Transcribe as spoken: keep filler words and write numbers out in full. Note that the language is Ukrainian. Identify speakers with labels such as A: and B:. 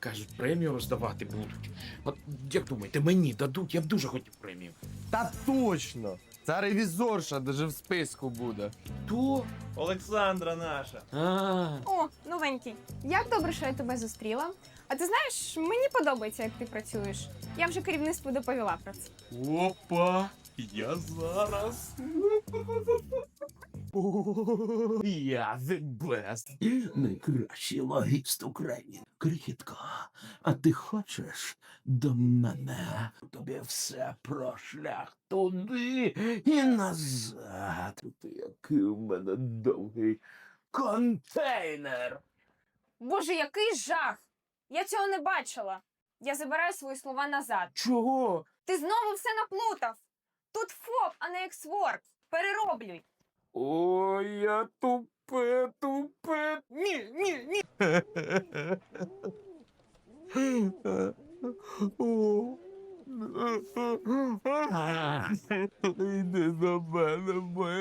A: кажуть, премію роздавати будуть. От як думаєте, мені дадуть, я б дуже хотів премію.
B: Та точно! Ця ревізорша даже в списку буде.
A: То?
C: Олександра наша.
A: А,
D: О, новенький. Як добре, що я тебе зустріла. А ти знаєш, мені подобається, як ти працюєш. Я вже керівництву доповіла про це.
C: Опа! Я зараз.
E: Я the best. Найкращий логіст України. Крихітко, а ти хочеш до мене? Тобі все про шлях туди і назад. Ти який у мене довгий контейнер.
D: Боже, який жах! Я цього не бачила. Я забираю свої слова назад.
A: чого?
D: Ти знову все наплутав. Тут ФОП, а не ексворк. Перероблюй.
A: Ой, я тупе, тупе. Ні, ні, ні.
E: Йди до мене, моя